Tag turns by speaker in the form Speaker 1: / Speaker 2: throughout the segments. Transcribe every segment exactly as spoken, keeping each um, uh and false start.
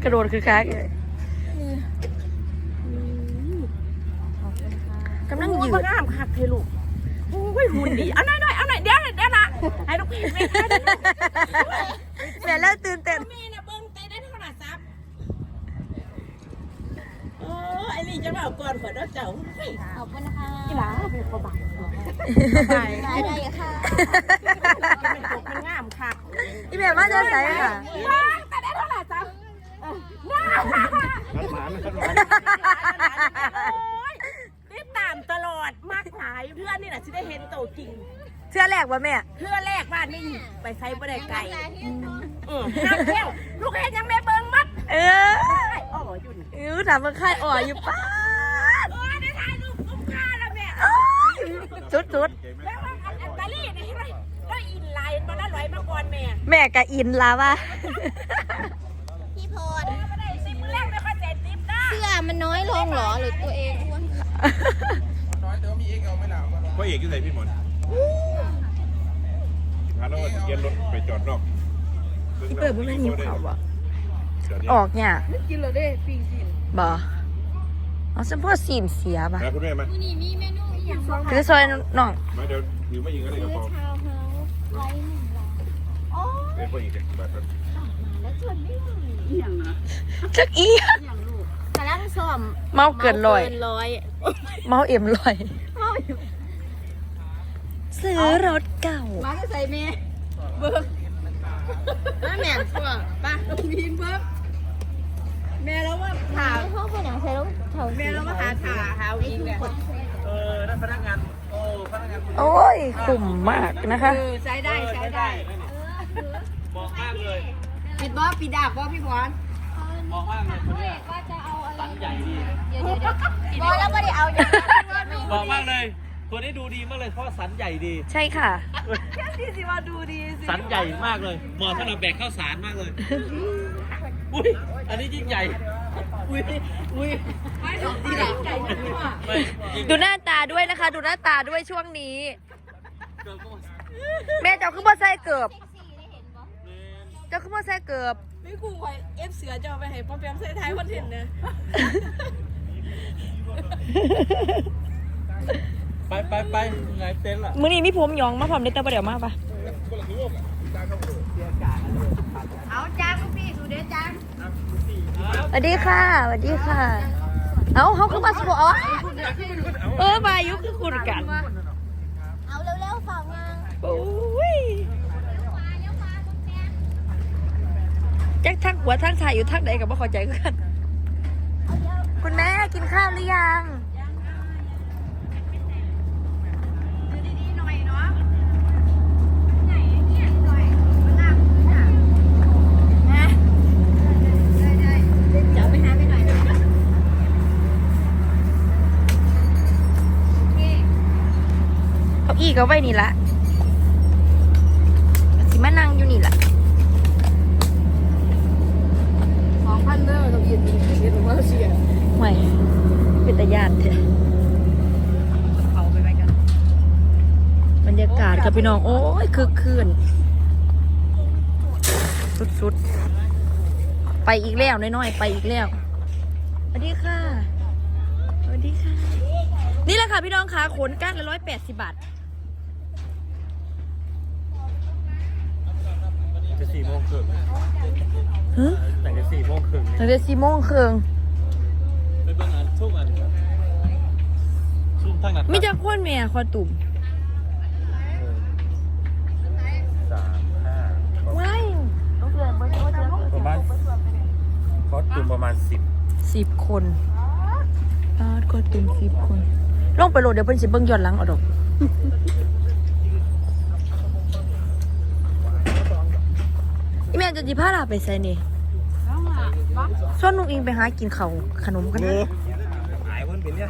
Speaker 1: กระโดดคือค้างเลยกำลังยืดงามคักเทลูกโอ้ยหุ่นดีเอาหน่อยหน่อยเอาหน่อยเดี๋ยวเดี๋ยวนะให้ลูกพี่แม่แม่แล้วตื่นเต้นแม่นะเบิ้งเต้ได้เท่าไหร่ซับโอ้ไอ้นี่จะมาเอาก่อนเปิดแล้วเจ้า
Speaker 2: ขอบคุณนะคะ
Speaker 1: กีฬาเป็นกระบะ
Speaker 2: ไปได้ค่ะ
Speaker 1: เป็นตกเป็นงามคัก
Speaker 3: อีแม่มาจะใส่ค่ะ
Speaker 1: แต่ได้เท่าไหร่ซับ
Speaker 4: นัดหมานนัดหมาน
Speaker 1: ติดตามตลอดมากหลายเพื่อนนี่แหละที่ได้เห็นโตจริง
Speaker 3: เชื่อแรกวะแม่
Speaker 1: เพื่อแรกบ้านไม่หนีไปไซบ่ได้ไกลเออห้ามเที่ยวลูกเห็นยังแม่เบิ้งมัด
Speaker 3: เออ
Speaker 1: อ๋ออยู่นี่
Speaker 3: เออถามว่าใครอ่ออยู่ป้า
Speaker 1: โอ้ได้ถ่ายรูปคุ้มค่าแล้วแม่
Speaker 3: จุดจุด
Speaker 1: แล้วอันอันตาลี่นี่ให้แล้วอินไลน์ตอนนั้นลอยมาก่อนแม่
Speaker 3: แม่กะอินลาวะ
Speaker 2: พี่พร
Speaker 1: ไม่ได้ซิมแรกไม่ค่อยเจ็ดซิมได้
Speaker 2: เสื้อมันน้อยลงหรอหรือตัวเองอ้วน
Speaker 4: น้อยแต่ว่ามีเอกเอาไม่หนาวเพราะเอกที่ใส่พี่หมอนพาเราเย็นรถไปจอดนอก
Speaker 3: ที่เปิดมันไม่หิวเขาวะออกเนี่ย
Speaker 1: กินเลยได้ปีกิน
Speaker 3: บ่เอาสัมพ่อซีนเสียป่ะ
Speaker 4: นะคุณแม่ไหม
Speaker 2: นี่มีเมนูอย่างสอง
Speaker 3: คือซอยน้อง
Speaker 4: มาเดี๋ยวถือไม่ยิงอะไรกับพ่อ
Speaker 2: ชาวเฮาไว้หนึ่งล้านโอ้
Speaker 4: เป็นพ่ออีกแบบนั้น
Speaker 2: แล้วชวนไม่ไหวอย่างนะ
Speaker 3: จักอี
Speaker 2: อย่างลูกกำลังซ้อม
Speaker 3: เมาเกินร้อยเมาเอ็มร้อยซื้อรถเก่า
Speaker 1: มาจะใส่เมย์เบิร์กแม่แม่ตัวป้ามีเบิร์กแม่แล้วว่าถา
Speaker 2: เขาเป็นอย่างใส่ลูกเถา
Speaker 1: แม่แล้วว่าหาถาหาอีกเนี่ย
Speaker 4: เออนั่นพนักงานโอ้พนักงาน
Speaker 3: โอ้ยคุ้มมากนะคะ
Speaker 1: ใช้ได้ใช้ได้
Speaker 4: บอกมากเลย
Speaker 1: ปิดบอสปิดดาบบอสพี่บอล
Speaker 4: บอกมากเลยคนนี้
Speaker 2: ก็จะเอาอะไร
Speaker 4: สันใหญ่ดี
Speaker 2: เดี๋ยวเดี๋ยวบอสแล้วไม่ได้เอาอย่าง
Speaker 4: บอกมากเลยตัวนี้ดูดีมากเลยเพราะสันใหญ่ดี
Speaker 3: ใช่ค่ะ
Speaker 1: แค่ที่สิว่าดูดีสิ
Speaker 4: สันใหญ่มากเลยเหมาะสำหรับแบกข้าวสารมากเลยอุ้ยอันนี้ยิ่งใหญ่อุ้ยอุ้ย
Speaker 1: ไม่ถูกที่ไหนใหญ่จริงว่ะ
Speaker 3: ดูหน้าตาด้วยนะคะ ดูหน้าตาด้วยช่วงนี้แม่เจ้าขึ้นมาใส่เกือบเจ้าขึ้นมาใส่เกือบ
Speaker 1: ไม่กูไว้เอฟเสือจะเอาไปให้ป้อมแปมใส่ท้ายคอนเทนต์นะ
Speaker 4: ไปไปไปไงเต้นล่ะ
Speaker 3: มื้อนี้มีผมยองมาพร้อมได้แต่ประเดี๋ยวมาปะ
Speaker 1: เอาจ้างลูกพี่ดูเด้จ้าง
Speaker 3: สวัสดีค่ะสวัสดีค่ะเอาเขาขึ้นมาสปอร์ตเออมายุคือคุณกัน
Speaker 2: เอาเร็วๆฝ่างาน
Speaker 3: โอ้ยแจ็คทั้งหัวทั้งชายอยู่ทั้งใดกับว่าเข้าใจกันคุณแม่กินข้าวหรือยังอีกก็ไว้นี่ละสิมานั่งอยู่นี่ละ
Speaker 1: สองพันเด้อเราเย็นดีเย็นหรือว่าเสีย
Speaker 3: ห่วยเป็นตาญาติเถอะเอาไปไปกันบรรยากาศกับพี่น้องโอ้ยคึกคืนสุดๆไปอีกแล้วน้อยๆไปอีกแล้วสวัสดีค่ะสวัสดีค่ะนี่แหละค่ะพี่น้องค่ะขนก้านละร้อยแปดสิบบาท
Speaker 4: จะสี่โมงครึ่ง
Speaker 3: ฮะ
Speaker 4: แต่งจะสี่โมงครึ่ง
Speaker 3: แต่จะสี่โมงครึ่ง
Speaker 4: ไปเบิ่งอันชุ่มอันชุ่มทั้งนั้น
Speaker 3: ไม่จะค้นแม่คอตุ่ม
Speaker 4: สามห้า
Speaker 3: ว้าย
Speaker 4: ประมาณคอตุ่มประมาณสิบ
Speaker 3: สิบคนปาดคอตุ่มสิบคนลงไปโหลดเดี๋ยวเพิ่นสิเบิ่งย้อนหลังเอาดอกอีแม่จะจีพาลาไปใส่นี่ส่วนนุ้งอิงไปหากินข้าวขนมกันนะ
Speaker 4: หายวันเป็นเนี่ย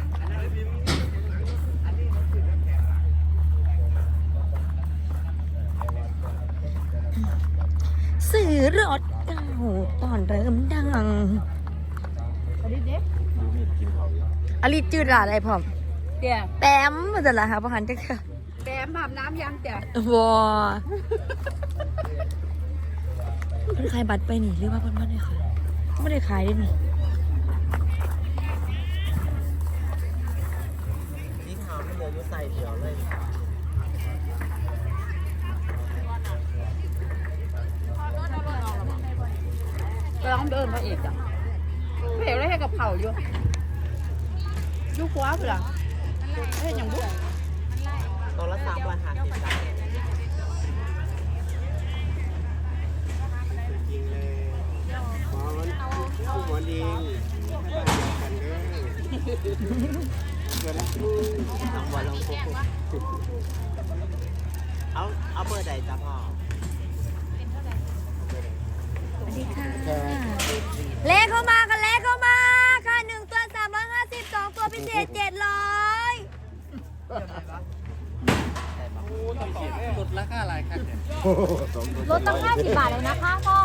Speaker 3: ซื้อรถเก่าตอนเริ่มดังอลิเด็กอลิจืดร้านอะไรพร้อม
Speaker 1: เตี่ย
Speaker 3: แต้มมาแต่ละหาประหารจักเถอะ
Speaker 1: แต้มอาบน้ำยังเตี่ย
Speaker 3: ว้าเพิ่นขายบัตรไปนี่หรือว่าเพิ่นบ่ได้ขายไม่ได้ขายด้วยนี่
Speaker 4: นี่ขาวไม่เหลืออยู่ใส่เดียวเลย
Speaker 1: ก็ต้องเดินมาอีกอ่ะไม่เห็นได้ให้กับเผาอยู่ยุคว้าเปล่าเฮ้ยอย่างบุ๊ก
Speaker 4: ตัวละสามร้อยห้าสิบบาทจริงเลยหมอมันผู้หมอดีกันเด้อเกิดแล้วลองบอลลองปุ๊บเอาเอาเบอร์ใดจ้าพ่อ
Speaker 3: สวัสดีค่ะเลขเข้ามากันเลขเข้ามาค่ะหนึ่งตัวสามร้อยห้าสิบสองตัวพิเศษเจ็ดร้อย
Speaker 4: ลดราคาอะไรครับเนี่ย
Speaker 2: ลดตั้งห้าสิบบาทเลยนะคะพ่อ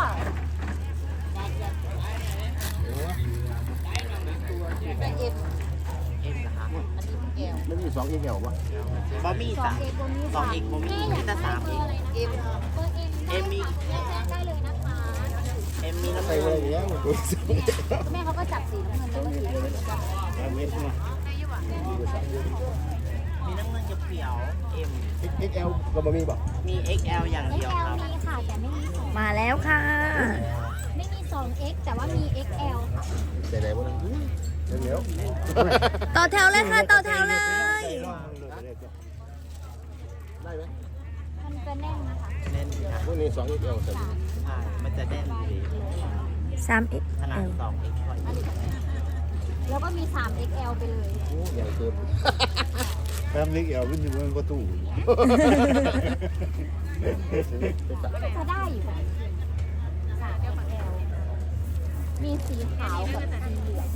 Speaker 4: เอ็มนะคะ
Speaker 5: ไม่มีสองเอกเอลวะ
Speaker 4: บะหมี่
Speaker 2: สอ
Speaker 4: จ้ะ
Speaker 2: งเอกตัวนี้
Speaker 4: สองเอกบะหมี่มีแต่สามเอกเอ็ม
Speaker 2: เบอร์เอ็ม
Speaker 4: เอ็มมี
Speaker 2: แจ้งได้เลยนะคะ
Speaker 4: เอ็มมีน้ำ
Speaker 5: ใส่
Speaker 4: เงิ
Speaker 5: เลย
Speaker 4: น
Speaker 5: อย่างเงี้ยมันดูสิ
Speaker 2: แม่เขาก็จับสีน้ำเงินแล้วก็สีเหลือง
Speaker 5: เอ็มเอส
Speaker 4: มีน้ำเงินเขียวๆเอ็ม
Speaker 5: เอ็กเอลก็บ่มีบ่
Speaker 4: มี เอ็กซ์ แอล อย่าง
Speaker 2: เอ็ก
Speaker 4: เดียว
Speaker 2: แอ
Speaker 4: ค
Speaker 2: ล
Speaker 4: รับ
Speaker 2: มีค่ะแต่ไม่มีสอง
Speaker 3: มาแล้วค่ะ
Speaker 2: ไม่มีสองเอ็กแต่ว่ามี เอ็กซ์ แอล ค่ะ
Speaker 5: ใส่ไหนบ่นั่นเดี๋ยว
Speaker 3: ต่อแถวเลยค่ะต่อแถวเลย
Speaker 5: ได้ไหม
Speaker 2: มันจะแน่นนะคะ
Speaker 4: แน่นดีครับ
Speaker 5: พวกนี้สองเอกเอลใส่
Speaker 4: ใช่มันจะแน่นดี
Speaker 3: สามเอ็ก
Speaker 4: ขนาดสองเอ็กซ์พอดี
Speaker 2: แล้วก็มี สาม เอ็กซ์ แอล ไปเลย
Speaker 5: โอ้ใหญ่เกินแฟมลิกเอลมันอยู่บนประตู
Speaker 2: จะได้อยู่ค่ะสาม เอ็กซ์ แอล มีสีขาวกับสีเหลือง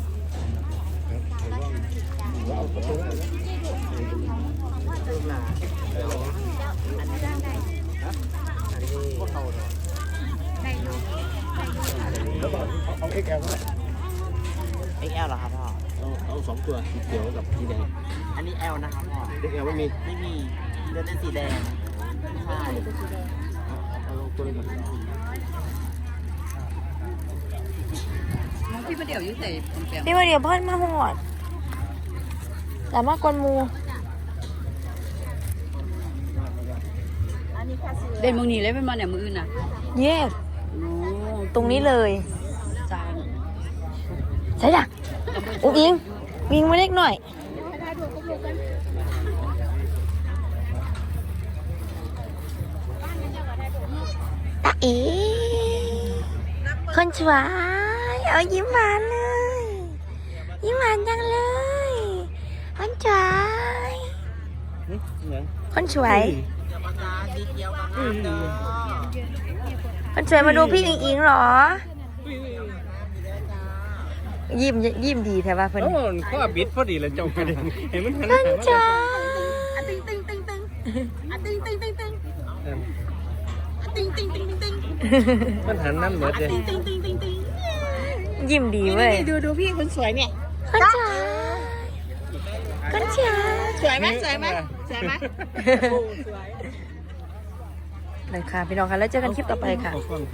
Speaker 5: เอาประตูได้นะ
Speaker 4: รูปหนาเดี๋ยวอันนี้อันนี้พวกเขาเนาะ
Speaker 5: แล้วก็เอาเอ็กเอลก็ได้
Speaker 4: เอ็กซ์ แอล เหรอครับพ่อ
Speaker 5: เอาเอาสองตัวสีเขียวกับสีแดง
Speaker 4: อันนี้ L นะครับพ่อ
Speaker 5: เอ็กเอลไม่มี
Speaker 4: ไม่มีเลือกเป็นสีแดงใช่
Speaker 5: เอาตัวนี้ก่อน
Speaker 1: พี่มาเดี๋ยวยุ่งใส่ผมแปลง
Speaker 3: พี่ว่าเดี๋ยวพ่อนมาหอดแต่มากกวนมู
Speaker 1: เด่นมึงหนีเลยเป็นมาเนี่ยมืออื่นน่ะ
Speaker 3: เย่
Speaker 1: โอ้
Speaker 3: ตรงนี้เลย
Speaker 1: จาน
Speaker 3: ใช่จ้ะอุ้งอิงวิ่งมาเล็กหน่อยตาเอ๋คนสวยเอายิ้มหวานเลย ยิ้มหวานจังเลยคนสวยคนสวย คนสวยมาดูพี่อิงอิงเหรอ ยิ้มยิ้มดีแท้ว่าเพิ่น
Speaker 5: โอ้ข้อบิดพอดีเลยจงไปเลยเห็นมันหัน
Speaker 3: คนสวย
Speaker 1: ตึงตึงตึงตึงอ่ะตึงตึงตึงตึงอ่ะตึงตึงตึงตึงตึง
Speaker 5: มันหันนั่นเหมือนเลย
Speaker 1: ตึงตึงตึงตึงตึง
Speaker 3: ยิ้มดีเว้ย
Speaker 1: ดูดูพี่คนสวยเนี่ย
Speaker 3: คนสวยคนสวย
Speaker 1: สวยไหมสวยไหมสวยไหม
Speaker 3: เลยค่ะพี่น้องค่ะแล้วเจอกันคลิปต่อไปค่ะ